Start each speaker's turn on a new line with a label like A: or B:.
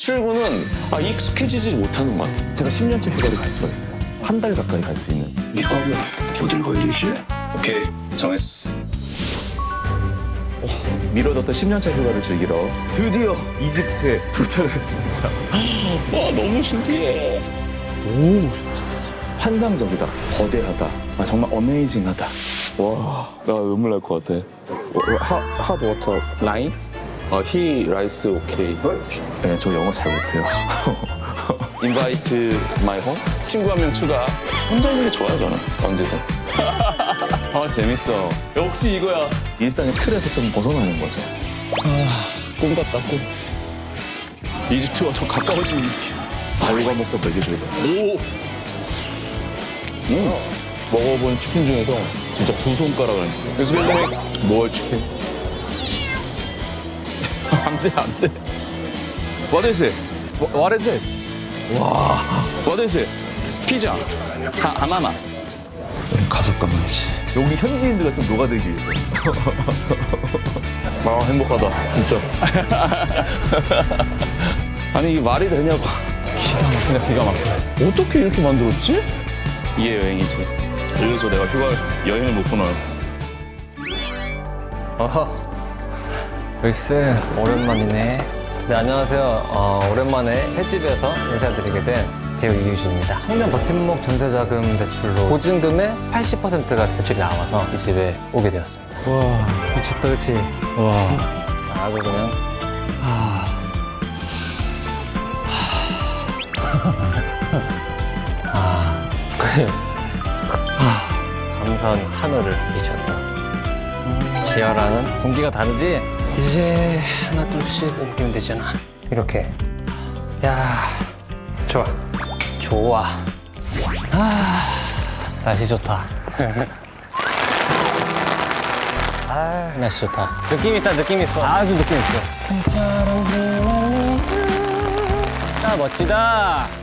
A: 출근은 익숙해지지 못하는 것 같아.
B: 제가 10년째 휴가를 갈 수가 있어요. 한 달 가까이 갈 수 있는.
C: 이거는 어딜 가야 되지?
A: 오케이, 정했어.
B: 미뤄뒀던 10년차 휴가를 즐기러 드디어 이집트에 도착을 했습니다.
A: 와, 너무 신기해.
B: 환상적이다, 거대하다, 정말 어메이징하다. 와, 나 눈물 날 것 같아.
A: 핫 워터 라인? 히 라이스 오케이.
B: 네, 저 영어 잘 못해요.
A: 인바이트 마이 홈? 친구 한 명 추가. 혼자 있는 게 좋아요, 저는. 언제든. 재밌어. 역시 이거야.
B: 일상의 틀에서 좀 벗어나는 거죠.
A: 꿈 같다, 꿈. 이집트와 더 가까워지는 느낌.
B: 발과 목도 먹여줘야 돼.
A: 먹어본 치킨 중에서 진짜 두 손가락을. 그래서 뭘 치킨? 안 돼, 안 돼. What is it? What is it? 와. What is it? 피자. 하나만. 가서 까먹지.
B: 여기 현지인들과 좀 녹아들기 위해서.
A: 행복하다, 진짜. 아니, 이게 말이 되냐고. 기가 막히다, 기가 막혀. 어떻게 이렇게 만들었지? 이게 여행이지. 이래서 내가 여행을 못 보나.
D: 어허. 글쎄, 오랜만이네. 네, 안녕하세요. 오랜만에 횟집에서 인사드리게 된 배우 이유진입니다. 청년 버팀목 전세자금 대출로 보증금의 80%가 대출이 나와서 이 집에 오게 되었습니다. 와, 미쳤다, 그치? 와. 아주 그냥. 그래. 감사한 하늘을 비쳤다. 지하라는 공기가 다르지? 이제 하나 둘씩 옮기면 되잖아. 이렇게. 야, 좋아. 좋아. 날씨 좋다. 날씨 좋다. 느낌 있다, 느낌 있어. 아주 느낌 있어. 멋지다.